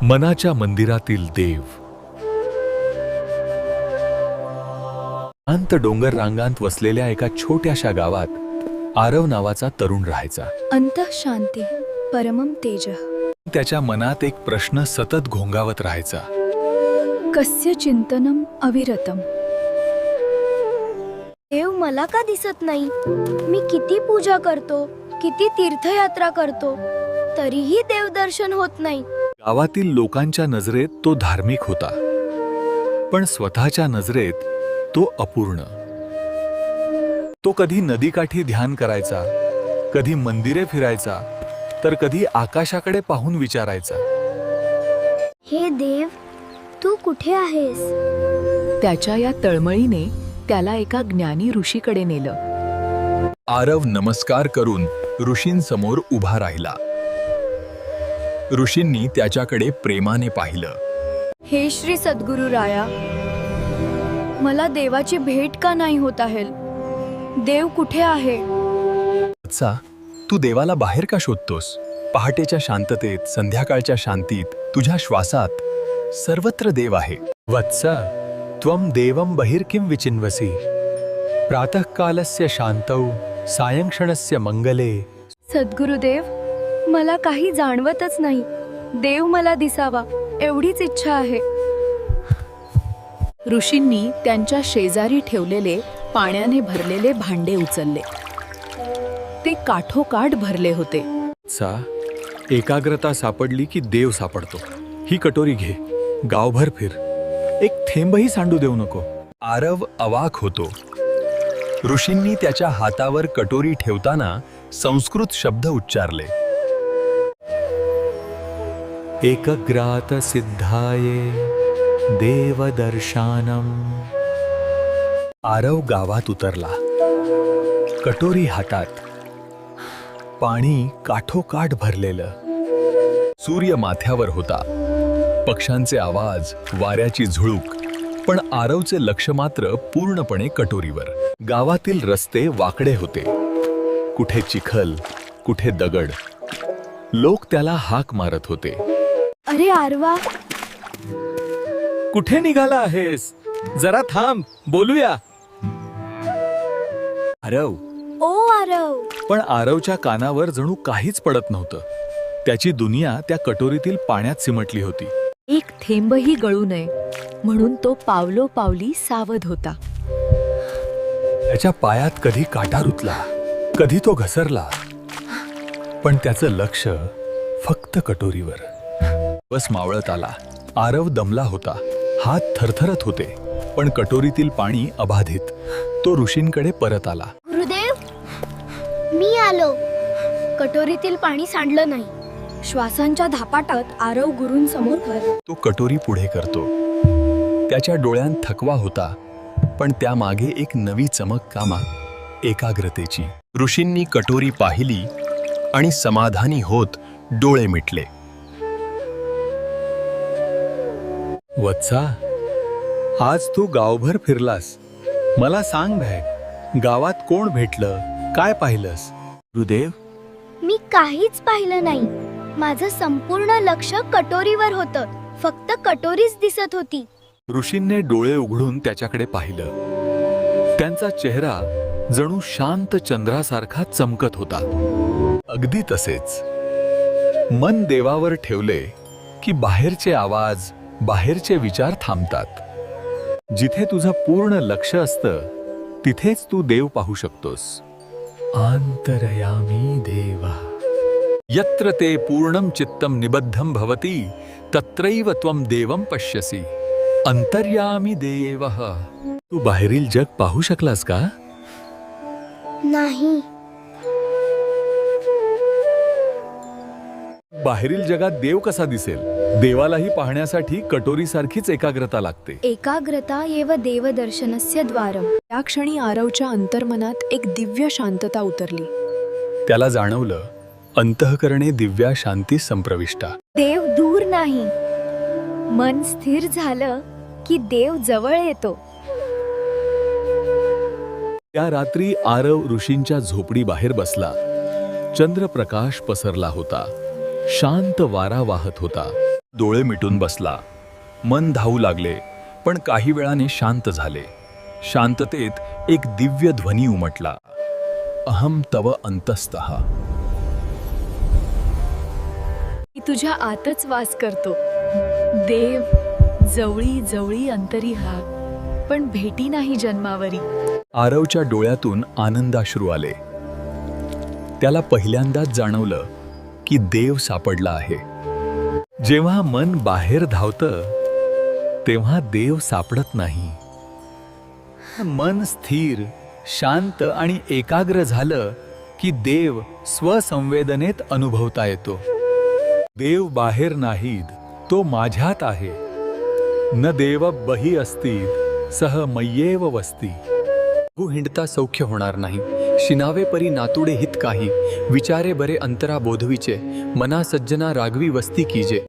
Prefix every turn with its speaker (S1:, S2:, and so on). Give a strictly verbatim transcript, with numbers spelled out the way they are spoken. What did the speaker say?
S1: मनाच्या मंदिरातील देव. शांत डोंगर रांगांत वसलेल्या एका छोट्याशा गावात आरव नावाचा तरुण राहायचा.
S2: अंतः शांती परमम तेज.
S1: त्याच्या मनात एक प्रश्न सतत घोंगावत राहायचा.
S2: कस्य चिंतनम अविरतम.
S3: देव मला का दिसत नाही? मी किती पूजा करतो, किती तीर्थयात्रा करतो, तरीही देव दर्शन होत नाही.
S1: गावातील लोकांच्या नजरेत तो धार्मिक होता, पण स्वतःच्या नजरेत तो अपूर्ण. तो कधी नदीकाठी ध्यान करायचा, कधी मंदिरे फिरायचा, तर कधी आकाशाकडे पाहून विचारायचा,
S3: हे देव, तू कुठे आहेस?
S2: त्याच्या या तळमळीने त्याला एका ज्ञानी ऋषीकडे नेलं.
S1: आरव नमस्कार करून ऋषींसमोर उभा राहिला. ऋषींनी त्याच्याकडे प्रेमाने पाहिलं.
S2: हे श्री सद्गुरु राया, मला देवाची भेट का नाही होत आहे? देव कुठे आहे?
S1: वत्सा, तू देवाला बाहेर का शोधतोस? पहाटेच्या शांततेत, संध्याकाळच्या शांतीत, तुझ्या श्वासात सर्वत्र देव आहे. वत्सा, त्वं देवं बहिर किं विचिन्वसि? प्रातःकालस्य शांतौ सायंक्षणस्य मंगले.
S2: सद्गुरुदेव, मला काही जाणवतच नाही. देव मला दिसावा एवढीच इच्छा आहे. ऋषींनी त्यांच्या शेजारी ठेवलेले पाण्याने भरलेले भांडे उचलले. ते काठोकाठ भरले होते.
S1: सा एकाग्रता सापडली की देव सापडतो. ही कटोरी घे, गावभर फिर, एक थेंबही सांडू देऊ नको. आरव अवाक होतो. ऋषींनी त्याच्या हातावर कटोरी ठेवताना संस्कृत शब्द उच्चारले. एकग्रात सिद्धाये देवदर्शनम. आरव गावात उतरला, कटोरी हातात, पाणी काठोकाठ भरलेलं. सूर्य माथ्यावर होता, पक्ष्यांचे आवाज, वाऱ्याची झुळूक, पण आरवचे लक्ष मात्र पूर्णपणे कटोरीवर. गावातील रस्ते वाकडे होते, कुठे चिखल, कुठे दगड. लोक त्याला हाक मारत होते.
S2: अरे आरवा,
S1: कुठे निघाला आहेस? जरा थांब, बोलूया. आरव.
S3: ओ आरव,
S1: पण आरवच्या कानावर जणू काहीच पडत नव्हतं. त्याची दुनिया त्या कटोरीतील पाण्यात सिमटली होती.
S2: एक थेंबही गळू नये म्हणून तो पावलो पावली सावध होता.
S1: त्याच्या पायात कधी काटा रुतला, कधी तो घसरला, पण त्याचं लक्ष फक्त कटोरीवर. बस मावळत आला. आरव दमला होता, हात थरथरत होते, पण कटोरीतील पाणी अबाधित. तो ऋषींकडे परत आला.
S3: गुरुदेव, मी आलो. कटोरीतील पाणी सांडलं नाही.
S2: श्वासांच्या धापाटात आरव गुरूंसमोर कर.
S1: तो कटोरी पुढे करतो. त्याच्या डोळ्यांत थकवा होता, पण त्यामागे एक नवी चमक कामा, एकाग्रतेची. ऋषींनी कटोरी पाहिली आणि समाधानी होत डोळे मिटले. वत्सा, आज तू गावभर फिरलास. मला सांग भाई, गावात कोण भेटलं, काय पाहिलंस? गुरुदेव,
S3: मी काहीच पाहिलं नाही. माझं संपूर्ण लक्ष कटोरीवर होतं. फक्त कटोरीच दिसत होती.
S1: ऋषींनी डोळे उघडून त्याच्याकडे पाहिलं. त्यांचा चेहरा जणू शांत चंद्रासारखा चमकत होता. अगदी तसेच. मन देवावर ठेवले की बाहेरचे आवाज, बाहेरचे विचार थांबतात. जिथे तुझं पूर्ण लक्ष असतं, तिथेच तू देव पाहू शकतोस. आंतरयामी देवा यत्र ते पूर्णम चित्तम निबद्धम भवती तत्रैव त्वं देवं पश्यसि. अंतर्यामी देवः. तू बाहेरील जग पाहू शकलास का?
S3: नाही.
S1: बाहेरील जगात देव कसा दिसेल? देवालाही पाहण्यासाठी कटोरीसारखीच एकाग्रता लागते.
S2: एकाग्रता एव देवदर्शनस्य द्वारम. त्या क्षणी आरवच्या अंतर्मनात एक दिव्य शांतता उतरली.
S1: त्याला जाणवलं, अंतःकरणे दिव्या शांती संप्रविष्टा.
S2: देव दूर नाही. मन स्थिर झालं की देव जवळ येतो.
S1: त्या रात्री आरव ऋषींच्या झोपडी बाहेर बसला. चंद्रप्रकाश पसरला होता. शांत वारा वाहत होता. डोळे मिटून बसला. मन धावू लागले, पण काही वेळाने शांत झाले. शांततेत एक दिव्य ध्वनी उमटला. अहम तव अंतस्तः.
S2: मी तुझ्या आतच वास करतो. देव जवळी जवळी अंतरी हा, पण भेटी नाही जन्मावरी.
S1: आरवच्या डोळ्यातून आनंदाश्रू आले. त्याला पहिल्यांदाच जाणवलं की देव सापडला आहे. जेव्हा मन बाहेर धावतं तेव्हा देव सापडत नाही. मन स्थिर, शांत आणि एकाग्र झालं की देव स्वसंवेदनेत अनुभवता येतो. देव बाहेर नाहीत, तो माझ्यात आहे. न देव बही अस्तीत सह मय्येव वस्ती.
S4: गु हिंडता सौख्य होणार नाही. शिनावे परी नातुडे हित काही. विचारे बरे अंतरा बोधविचे. मना सज्जना रागवी वस्ती कीजे.